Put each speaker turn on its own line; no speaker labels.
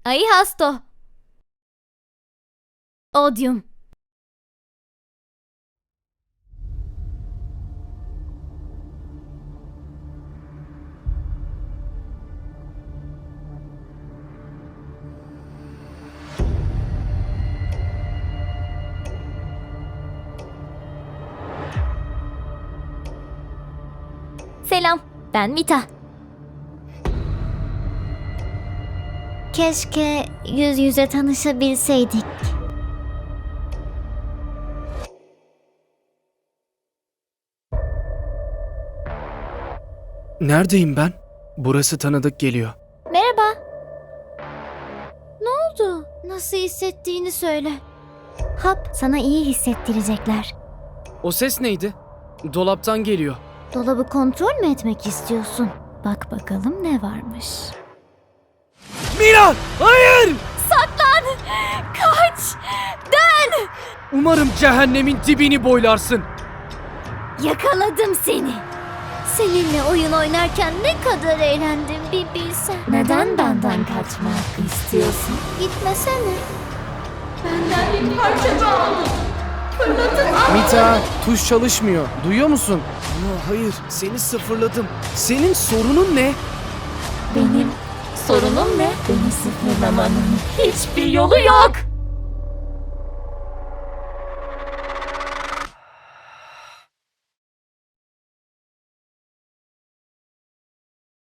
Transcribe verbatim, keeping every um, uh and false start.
Ahí hasto. Odium. Selam, ben Mita. Keşke yüz yüze tanışabilseydik.
Neredeyim ben? Burası tanıdık geliyor.
Merhaba. Ne oldu? Nasıl hissettiğini söyle. Hap, sana iyi hissettirecekler.
O ses neydi? Dolaptan geliyor.
Dolabı kontrol mü etmek istiyorsun? Bak bakalım ne varmış.
Mira! Hayır!
Saklan! Kaç! Dön!
Umarım cehennemin dibini boylarsın.
Yakaladım seni. Seninle oyun oynarken ne kadar eğlendim bir bilsen. Neden benden kaçmak istiyorsun? Gitmesene. Benden bir parça kaldı. Fırlatıp
Mita, tuş çalışmıyor. Duyuyor musun? Ama hayır, seni sıfırladım. Senin sorunun ne?
Benim sorunum ne? Beni sıfırlamanın hiçbir yolu yok.